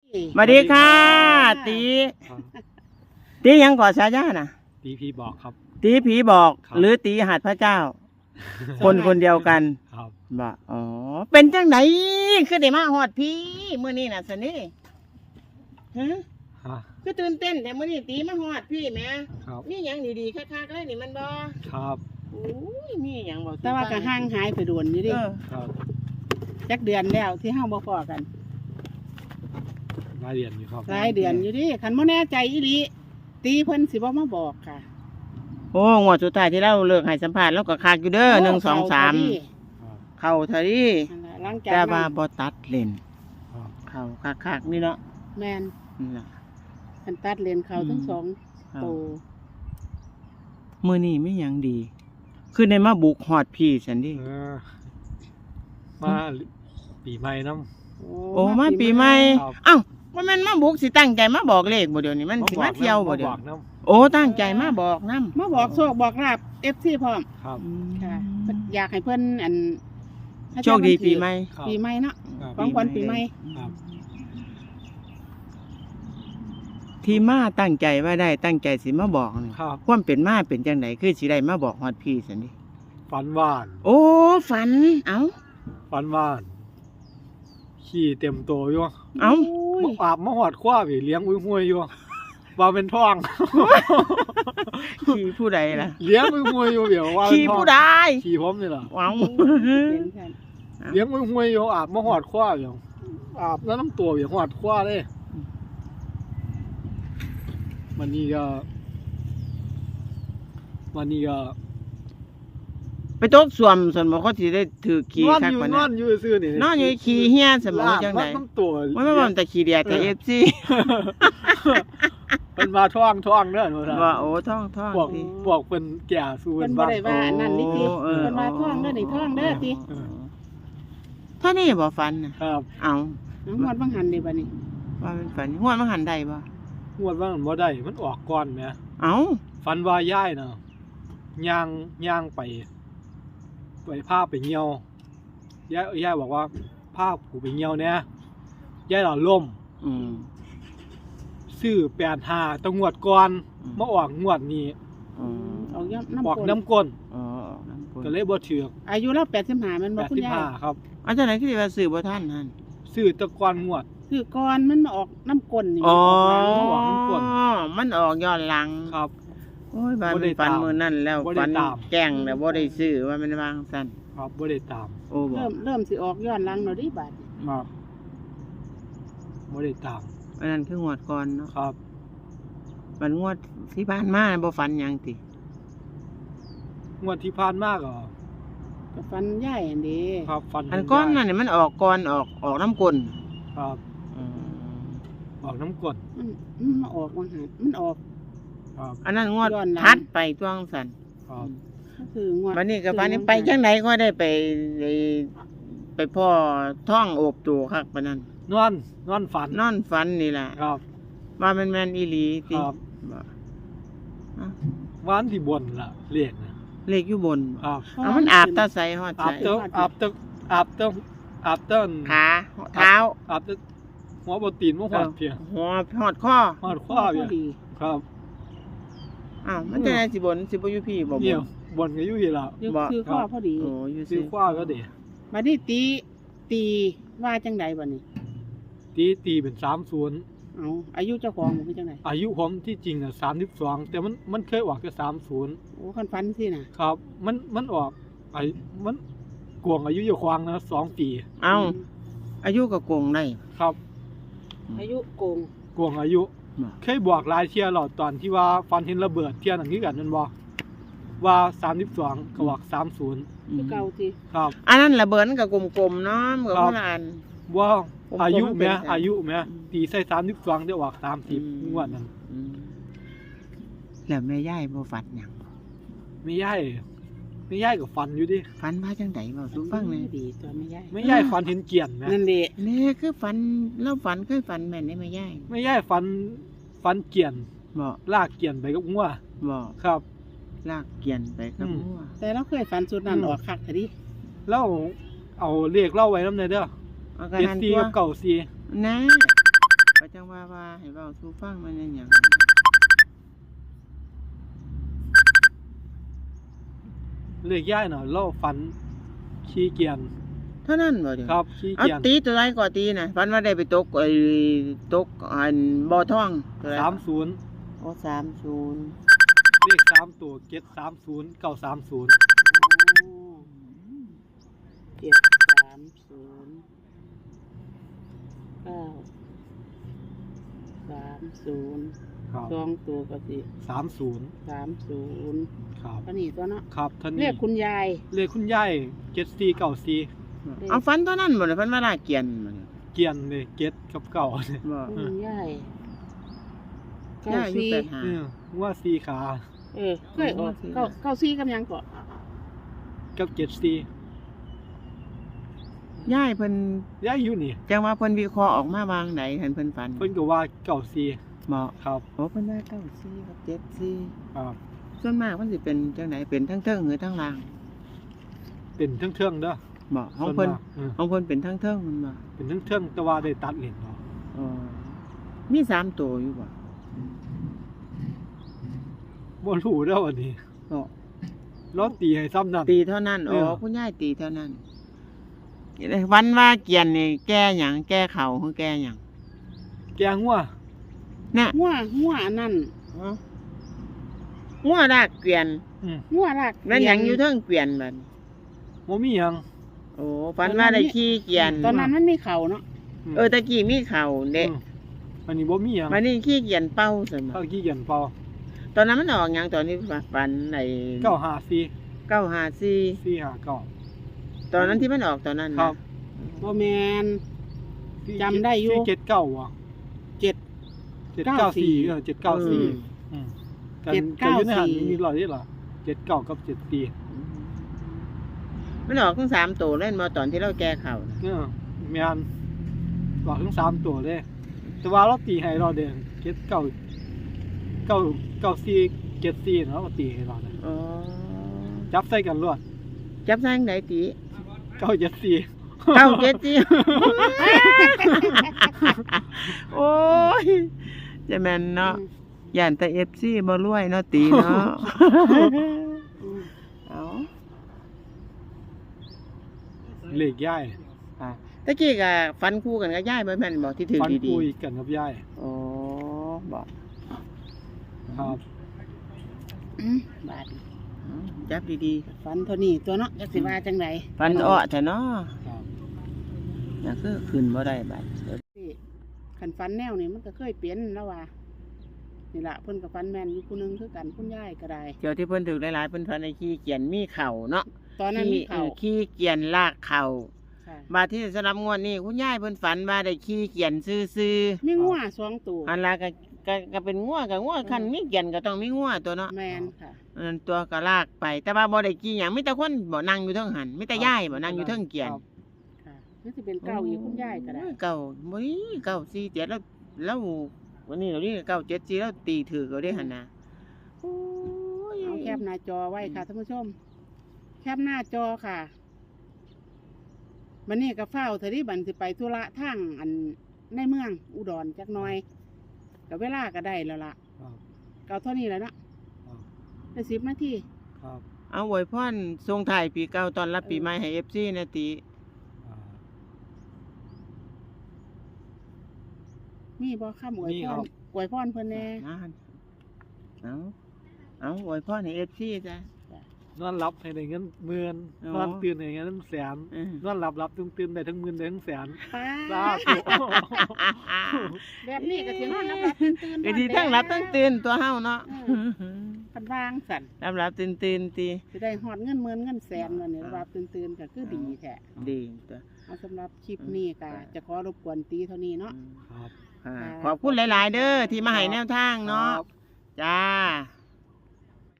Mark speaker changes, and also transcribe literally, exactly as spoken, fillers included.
Speaker 1: สวัสดีค่ะตีตียังก่อฉายาน่ะ
Speaker 2: ตีผีบอกครับ
Speaker 1: ตีผีบอก
Speaker 2: ครับ
Speaker 1: หรือตีหัดพระเจ้า คนคนเดียวกัน
Speaker 2: ครับ
Speaker 1: บ่อ๋อเป็นจังไหนคือได้มาฮอดพี่มื้อนี้น่ะสนี่ฮะ
Speaker 2: ฮะ
Speaker 1: คือตื่นเต้นแต่มื้อนี้ตีมาฮอดพี่แหม่
Speaker 2: ครับ
Speaker 1: มีหยังดีๆคักๆเลยนี่มันบ่
Speaker 2: ครับ
Speaker 1: โอ้ยมีหยังบ่
Speaker 3: แต่ว่าก็ห่างหายไปโดนอยู่ดิ
Speaker 1: เออ
Speaker 2: ครับ
Speaker 3: จักเดือนแล้วที่เฮาบ่พอกัน
Speaker 2: รายเดือนอยู่ครับ
Speaker 3: หลายเดือนอยู่ดิคันบ่แน่ใจอีหลีตีเพิ่นสิบ่มาบอกค่ะ
Speaker 1: โอ้งวดสุดท้ายที่เราเลิกให้สัมภาษณ์แล้วก็คักอยู่เด้อหนึ่งสองสาม
Speaker 2: ครับ
Speaker 1: เข้าเท่านี้
Speaker 3: นั่นล่ะหลังจาก
Speaker 1: แต่ว่า
Speaker 3: นั้น
Speaker 1: บ่ตัดเล่น
Speaker 2: ครับ
Speaker 1: เข้าคักๆนี่เนาะ
Speaker 3: แม่น
Speaker 1: นี่ล่ะ
Speaker 3: คันตัดเลนเขาทั้งสอง
Speaker 1: ครับ
Speaker 3: โต
Speaker 1: มื้อนี้ไม่หยังดี คือได้มาบุกฮอดพี่ฉันดิ
Speaker 2: เออมาปีใหม่น้
Speaker 1: โอ้มาปีใหม่
Speaker 2: ครับ
Speaker 1: เอ้าว่ามันมาบุกสิตั้งใจมาบอกเลขบ่เดี๋ยวนี้
Speaker 2: ำ
Speaker 1: มันสิ
Speaker 2: บ
Speaker 1: มา
Speaker 2: อก
Speaker 1: เที่ยวบ่
Speaker 2: น้ำ
Speaker 1: เดี๋ยว
Speaker 2: บอกน้
Speaker 1: โอ้ตั้งใจมาบอกนำ
Speaker 3: มาบอกโชคบอกลาบ เอฟ ซี พร้อม
Speaker 2: ำครับ
Speaker 3: ค่ะเพิ่นอยากให้เพิ่นอันให้
Speaker 1: โชคดีปีใหม่
Speaker 2: ครับ
Speaker 3: ปีใหม่เนาะ
Speaker 2: ครับ
Speaker 3: ของขวัญปีใหม่
Speaker 2: ครับ
Speaker 1: ที่มาตั้งใจว่าได้ตั้งใจสิมาบอกนี่
Speaker 2: ครับ
Speaker 1: ความเป็นมาเป็นจังไดคือสิได้มาบอกฮอดพี่ซั่นดิ
Speaker 2: ฝันหวาน
Speaker 1: โอ้ฝันเอ้า
Speaker 2: ฝันหวานขี่เต็มโตอยู่
Speaker 1: เอ้า
Speaker 3: โอ้
Speaker 2: มาย อาบมาหอดคว้าไปเลี้ยงอุ้ยห้วยอยู่ว่าเป็นท้อง
Speaker 1: ขี่ผู้ใดล่ะ
Speaker 2: เลี้ยงอุ้ยห้วยอยู่เดี๋ยวว่าเป็น
Speaker 1: ขี่
Speaker 2: ท้อง
Speaker 1: ผู้ใด
Speaker 2: ขี่ผมนี่ล่ะ
Speaker 1: เอ้า
Speaker 3: เป็นค่ะ
Speaker 2: เลี้ยงอุ้ยห้วยอยู่อาบมาหอดคว้าอยู่อาบแล้วน้ำตัวอยู่หอดคว้าเลยวันนี้ก็วันนี้ก็
Speaker 1: ไปตกสวมส่วนบ่เขาสิได้ถือขี่
Speaker 2: นอน
Speaker 1: คัก
Speaker 2: อยู่
Speaker 1: ปาน
Speaker 2: น
Speaker 1: นั้
Speaker 2: อน
Speaker 1: น
Speaker 2: อยู่ซื่อนี่
Speaker 1: นอนอยู่ขี่เฮียสมองจังได
Speaker 2: ลากน้ำตัว
Speaker 1: มันบ่มันแต่ขี่เดียดแต่ เอฟ ซี
Speaker 2: เป็นมาท่องท่องเด้อหนูท่าน
Speaker 1: ว่าโอ้ท่องท่อง
Speaker 2: บอก
Speaker 1: สิ
Speaker 2: บอกเป็นแก่สู้
Speaker 3: เพิ่
Speaker 2: เป็น น
Speaker 3: บ่
Speaker 2: บ้าง
Speaker 3: ได้ว่าอันนั้นนี่ติ
Speaker 1: โอ้เออ
Speaker 3: เพิ่นว่าท่องเด้อนี่ท่องเด้อติ
Speaker 1: เออเท่านี้บ่ฝันน่ะ
Speaker 2: ครับ
Speaker 1: เอา
Speaker 3: น้องฮอดบังหันนี่บัดนี้
Speaker 1: ว่าเป็นฝันงวดมันหันได้บ่
Speaker 2: งวดว่ามันบ่ได้มันออกก่อนแหม
Speaker 1: เอา
Speaker 2: ฝันว่าย่ายน่ะย่างย่างไปไปพาไปเหี่ยวย่ายย่ายบอกว่าพาผูไปเหี่ยวเนี่ยย่ายหล่อล่ม
Speaker 1: อืม
Speaker 2: ซื้อแปดห้าตะงวดก่อน
Speaker 1: อืม
Speaker 2: มาออกงวดนี้
Speaker 1: อ๋อ
Speaker 3: ออกย่ำน้ำ
Speaker 2: ออก
Speaker 3: ปน
Speaker 2: น้ำก้น
Speaker 1: อ๋อน้ำกล
Speaker 2: ก็เลยบ่ถือ
Speaker 3: อายุเราแปดสิบห้าแมันบ่คุณยาย
Speaker 2: แปดสิบห้าครับ
Speaker 1: เอาจังได๋คือสิว่าซื้อบ่ทันหั่น
Speaker 2: ซื้อแตะกอนงวด
Speaker 3: คือก่อนมันมาออกน้ำกลนนี่
Speaker 1: อ๋อ
Speaker 3: ออกหลัง
Speaker 2: น้ำกล
Speaker 1: มันออกย้อนหลัง
Speaker 2: ครับ
Speaker 1: โอ้ยบ้าน
Speaker 2: บ่ได้
Speaker 1: ฝัน
Speaker 2: ตาม
Speaker 1: มื้อนั้นแล้ว
Speaker 2: บ่ได้
Speaker 1: ฝัน
Speaker 2: ตาม
Speaker 1: แกล้งแล้วบ่ได้ซื้อว่ามันวางซั่น
Speaker 2: ครับบ่ได้ตาม
Speaker 1: โอ้บ่
Speaker 3: เริ่มเริ่มสิออกย้อนหลังเนาะดิบาดนี้
Speaker 2: ครับบ่ได้ตาม
Speaker 1: อันนั้นคืองวดก่อนเนาะ
Speaker 2: ครับ
Speaker 1: มันงวดที่ผ่านมาบ่ฝันหยังติ
Speaker 2: งวดที่ผ่านมาก็
Speaker 3: ก็ฟันใหญ่อันนี้
Speaker 2: ครับฟัน
Speaker 1: อันก้อน
Speaker 2: ได้
Speaker 1: นั่นนี่มันออกก่อนออกออกน้ำกลน
Speaker 2: ครับ
Speaker 1: อืม
Speaker 2: ออกน้ำกรด
Speaker 3: มันมันมาออกมาหามันออก
Speaker 2: ครับ
Speaker 1: อันนั้นงวด
Speaker 3: ย้อนหลัง
Speaker 1: ทัดไปตวงสัน
Speaker 2: ครับ
Speaker 3: ก็คืองวด
Speaker 1: วันนี้กับวันนี้ไปจังไหนก็ได้ไปไปไปพ่อท่องโอบตัวคักปานนั้น
Speaker 2: นอนนอนฝัน
Speaker 1: นอนฝันนี่ล่ะ
Speaker 2: ครับ
Speaker 1: ว่ามันแม่นอีหลีติ
Speaker 2: ครับ
Speaker 1: บ่เอ้า
Speaker 2: วันที่บนล่ะเรียกนะ
Speaker 1: เลขอยู่บน
Speaker 2: ครับ
Speaker 1: เอามันอาบตาใสฮอด
Speaker 2: อา
Speaker 1: ใส
Speaker 2: บเต้าอาบเต้าอาบเต้าอาบเต้า
Speaker 1: ขาเท้า
Speaker 2: อาบเต้าหัวบตีนหัวหอดเพียง
Speaker 1: หัวฮอดคอ
Speaker 2: หอด
Speaker 3: พ
Speaker 2: ข้อ
Speaker 3: อ
Speaker 2: เพียง
Speaker 3: ดี
Speaker 2: ครับ
Speaker 1: อ้าวมันจะได้สิบนสิบ่อยู่พี่บ่บ
Speaker 2: เนี่ย
Speaker 1: น
Speaker 2: บนก็อยู่ที่ละ
Speaker 3: ยก
Speaker 1: บ่
Speaker 3: คือข้อพอดี
Speaker 1: โอ้อยู่
Speaker 2: ซื้
Speaker 1: สิ
Speaker 2: อข้อก็เดี
Speaker 3: บัดนี้ตีตีว่าจังใดบัดนี้
Speaker 2: ตีตีเป็นสามศูนย์
Speaker 3: เอาอายุเจ้าของบ่คือจังได
Speaker 2: อายุผมที่จริงอ่ะสามสิบสองแต่มันมันเคยออกแค่สามศูนย์
Speaker 3: โอ้คันฟันสิน่ะ
Speaker 2: ครับ มันมันออกไอ้มันกวงอายุอยู่ควางนะสองปี
Speaker 1: เอ้าอายุก็โกงได้
Speaker 2: ครับ
Speaker 3: อายุโกง
Speaker 2: กวงอายุ
Speaker 1: บ่
Speaker 2: เคยบอกหลายเที่ยหลอดตอนที่ว่าฟันเห็นระเบิดเที่ยนั่นคือกันนั่นบ่ว่าสามสิบสองก็บอกสามศูนย์
Speaker 3: คือเก่าติ
Speaker 2: ครับ
Speaker 1: อันนั้นระเบิดมันก็กลมๆเนาะมันก็
Speaker 2: ครับ
Speaker 1: คนละอัน
Speaker 2: ว่า
Speaker 1: ผม
Speaker 2: อายุ
Speaker 1: ผม
Speaker 2: แม่
Speaker 1: เป็น
Speaker 2: อายุแม่
Speaker 1: อืม
Speaker 2: ตีใส่สามสิบสองได้ออกสามสิบ
Speaker 1: อืม
Speaker 2: งวดนั้น
Speaker 1: อืมแล้วแม่ยายบ่ฝันหยัง
Speaker 2: ไม่ย่ายไม่ย่ายกับฟันอยู่ดิ
Speaker 1: ฝันว่าจังได๋เว้าสู่ฟังแหน่
Speaker 3: ดีตัวไม่ใหญ่
Speaker 2: ไม่ย่ายฟันเห็นเกียนแม่
Speaker 3: นั่นแหละ
Speaker 1: แน่คือฝันเราฝันเคยฝันแม่นได้แม่ยาย
Speaker 2: ไม่ย่ายฟันฟันเกียน
Speaker 1: บ่
Speaker 2: ลากเกียนไปกับงัว
Speaker 1: บ่
Speaker 2: ครับ
Speaker 1: ลากเกียนไปกับ
Speaker 2: อืม
Speaker 1: หัว
Speaker 3: แต่เราเคยฝันสุดนั้น
Speaker 2: อืม
Speaker 3: ออกคักเถอะดิ
Speaker 2: แล้วเอาเลขเล่าไว้น้ำในเด้อ
Speaker 1: เอากระ
Speaker 2: เจ็ด
Speaker 1: นั้น
Speaker 2: ซี
Speaker 1: ตัว
Speaker 2: กับเก่าซี
Speaker 1: นะประจังว่าว่าให้เว้าสู่ฟังมันเป็นหยัง
Speaker 2: เลขย่ายน่ะเราฝันขี้เกียจ
Speaker 1: เท่านั้นบ่เดี๋ยว
Speaker 2: ครับขี้
Speaker 1: เอา
Speaker 2: เกียจ
Speaker 1: ตีตัวใดก็ตีน่ะฝันว่าได้ไปตกไอ้ตกอันบ่อทองตัวใด
Speaker 2: สามศูนย์
Speaker 1: โอ้สามศูนย์
Speaker 2: เลขสามตัวเจ็ดสามศูนย์เก้าสามศูนย์
Speaker 3: เจ็ดสามศูนย์เก้าสามศูนย์
Speaker 2: ครับ
Speaker 3: สองตัวก็สิ
Speaker 2: สามศูนย์
Speaker 3: สามศูนย์
Speaker 2: ครับ
Speaker 3: ก็นี่ตัวเนาะ
Speaker 2: ครับท่าน
Speaker 3: เรี
Speaker 2: นี้
Speaker 3: ยกคุณยาย
Speaker 2: เลขคุณยายเจ็ดสี่เก้าสี่
Speaker 1: เอาฝันตัวนั้นบ่ได้ฝันว่าลาเกียนบ่เนี่ย
Speaker 2: เกียนเลยเจ็ดกับเก้าเนี่ย
Speaker 1: บ่
Speaker 3: คุณยายเก้า
Speaker 1: ย่าอายุ
Speaker 3: สี่
Speaker 1: แปดห้า
Speaker 2: เออว่าสี่ขา
Speaker 3: เออเคยออกเก้าเก้าสี่กับหยังก่อน
Speaker 2: กับเจ็ดสี่
Speaker 1: ย่ายเพิ่น
Speaker 2: ย่ายอยู่นี่
Speaker 1: จังว่าเพิ่นวิเคราะห์ออกมาวางไหนเห็นเพิ่นฝัน
Speaker 2: เพิ่นก็ว่าเก้าสี่
Speaker 1: เหมาะ
Speaker 2: ครับ
Speaker 1: โอ้เพิ่นว่าเก้าสี่กับเจ็ดสี่
Speaker 2: ครับ
Speaker 1: ส่วนมากมันสิเป็นจังไหนเป็นทั้งเทิงหรือทั้งล่าง
Speaker 2: เป็นเทิงๆเด้อ
Speaker 1: เหมาะของเพิ่น
Speaker 2: ส่วมากเออ
Speaker 1: ของเพิ่นเป็นทั้งเทิงมันบ่
Speaker 2: เป็นเทิงๆแต่ว่าได้ตัดเหรียญเนาะ
Speaker 1: อ๋อมีสามตัวอยู่บ่
Speaker 2: บ่รู้เด้อวันนี้
Speaker 1: เนาะ
Speaker 2: เราตีให้ซ้ำนั่น
Speaker 1: ตีเท่านั้นอ๋อ
Speaker 2: เออ
Speaker 1: คุณยายตีเท่านั้นวันว่าเกียนนี่แก้หยังแก้เข่าคือแก้หยัง
Speaker 2: แกงว่า
Speaker 1: น่ะ
Speaker 3: หัวหัวอันนั่น
Speaker 1: งัวรากเกวียน
Speaker 2: อืม
Speaker 3: หัวราก
Speaker 1: นั่นหยังอยู่เทิงเกวียนบัด
Speaker 2: บ่มีหยัง
Speaker 1: โอ้ฝันว่าได้ขี่เกวียน
Speaker 3: ตอนนั้นมันมีเข่าเนาะ
Speaker 2: ม
Speaker 1: เออตะกี้มีเข่าเด็ก
Speaker 2: อืมอันนี้บ่มีหยัง
Speaker 1: วันนี้ขี่เกวียนเป้าซั่นบ่
Speaker 2: เขาขี้เกียจเปล่า
Speaker 1: ตอนนั้นมันออกหยังตอนนี้ฝันไอ้
Speaker 2: เก้าห้าสี่
Speaker 1: เก้าห้าสี่
Speaker 2: สี่ห้าเก้า
Speaker 1: ตอนนั้นที่มันออกตอนนั้น
Speaker 2: ครั
Speaker 1: นะ
Speaker 2: บ
Speaker 3: บ่แมน จำได้อยู่
Speaker 2: สี่เจ็ดเก้าว่ะ
Speaker 3: เจ็ด
Speaker 2: เจ็ดเก้าสี่
Speaker 3: เก้าสี่
Speaker 2: เออเจ็ดเก้าสี่
Speaker 1: อืม
Speaker 2: กัน
Speaker 3: เจ็ด
Speaker 2: กั
Speaker 3: เก้าน
Speaker 2: อยู่ในหัน
Speaker 3: สี่
Speaker 2: มีรอยนี่เหรอเจ็ดเก้ากับเจ็ดสี่
Speaker 1: มันออกทั้งสามตัวเล่นมาตอนที่เราแก้เข่าน่ะ
Speaker 2: เออแม่นบอกถึงสามตัวเลย แต่ว่าเราตีให้เราเด่นเจ็ดเก้าเก้าเก้าสี่เจ็ดสี่เนาะเราตีให้เราเนี่ย
Speaker 1: อ๋อ
Speaker 2: จับใส่กันรวด
Speaker 1: จับสร้างไหนตี
Speaker 2: เก้าเจ็ดสี่
Speaker 1: เก้าเจ็ดสี่ โอ้ยจะแม่นเนาะย่านแต่เอฟซีบ่รวยเนาะตีเนาะ เอา
Speaker 2: เหล็กย่าย
Speaker 1: อ่ะตะกี้ก็ฟันคู่กันกับย่ายบ่แม่นบอกที่ถือ
Speaker 2: ฟัน
Speaker 1: ดี
Speaker 2: คุยกันกับย่าย
Speaker 1: ๆโอ้บอก
Speaker 2: ครับ
Speaker 3: อืมบาด
Speaker 1: เอาจับดี
Speaker 3: ฟันเท่านี้ตัวเนาะจักสิว่าจังได
Speaker 1: ๆฟันอ้อแต่เนาะ
Speaker 2: ครับ
Speaker 1: อย่าคือขึ้นบ่ได้บัด
Speaker 3: คันฟันแนวนี่มันก็เคยเปลี่ยนแล้วว่านี่ล่ะเพิ่นกับฟันแม่นอยู่ผู้หนึงคือกันคุณยายก็ได้
Speaker 1: เกี่ยวที่เพิ่นถือหลายๆเพิ่นฟันในขี้เกียจมีเข่าเนาะ
Speaker 3: ตอนนั้นมีเข่า
Speaker 1: ขี้ออขี้เกียจลากเข่า
Speaker 3: ค่ะ
Speaker 1: บาดที่สำหรับงวดนี้คุณยายเพิ่นฝันว่าได้ขี้เกียจซื่อ
Speaker 3: มีงัวสองตัว
Speaker 1: ๆอันละก็ก็ก็เป็นงัวกับงัวคันมีเกียจก็ต้องมีงัวตัวเนาะ
Speaker 3: แมนค่ะ
Speaker 1: อันนั้นตัวก็ลากไป แต่ว่าบ่ได้ขี้หยังมีแต่คนบ่นั่งอยู่เทิงหันมีแต่ยายบ่นั่งอยู่เทิงเกียจ
Speaker 2: ครับ
Speaker 3: ค่ะนี่สิเป็นเก้าอีกคุณยายก็ได้
Speaker 1: เก้าบ่นี่เก้าสี่เจ็ดแล้วแล้ววันนี้เรานี่เก้าเจ็ดสี่แล้วตีถือก็ได้หั่นน่ะโอ้ย
Speaker 3: เอาแคปหน้าจอไว้ค่ะท่านผู้ชม แคปหน้าจอค่ะมันนี่ก็เฝ้าเธอที่บันสิไปธุระทางอันในเมืองอุดรจักหน่อยกับเวลาก็ได้แล้วล่ะ
Speaker 2: ครับ
Speaker 3: เก่าเท่านี้แล้วเนาะ
Speaker 2: ครับ
Speaker 3: ได้สิบนาที
Speaker 2: ครับ
Speaker 1: เอาอวยพรส่งท้ายปีเก่าตอนรับปีใหม่ให้ เอฟ ซี นะติ
Speaker 2: อ่า
Speaker 3: มีบ่ข้ามอวย
Speaker 2: มี
Speaker 3: พ
Speaker 2: ครั
Speaker 3: ร
Speaker 2: บ
Speaker 3: อวยพรเพิ่นแน่
Speaker 1: นั่นเอาเอาอวยพรให้ เอฟ ซี จ้ะ
Speaker 2: นอนหลับให้ได้เงินหมื่น
Speaker 1: อ๋อ
Speaker 2: นอนตื่นให้ได้เงินแสน
Speaker 1: เออ
Speaker 2: นอนหลับหลับตื่นตื่นได้ทั้งหมื่นได้ทั้งแสน
Speaker 3: ป้า
Speaker 2: สาธุ
Speaker 3: แบบนี้ก็สินอนรับๆตื่นๆ
Speaker 1: ก็ดีทั้งรับทั้งตื่นตัวเฮาเนาะ
Speaker 3: คันวางสั่น
Speaker 1: รับรับตื่นตื่นติ
Speaker 3: สิได้ฮอดเงินหมื่นเงินแสนวันนี้รับตื่นๆก็คือดีแท้
Speaker 1: ดีตัว
Speaker 3: เอาสำหรับคลิปนี้ก็จะขอรบกวนตีเท่านี้เนาะ
Speaker 2: ครับ
Speaker 1: อ่าขอบคุณหลาย ๆ เด้อที่มาให้แนวทางเนาะ
Speaker 2: ครับ
Speaker 1: จ้า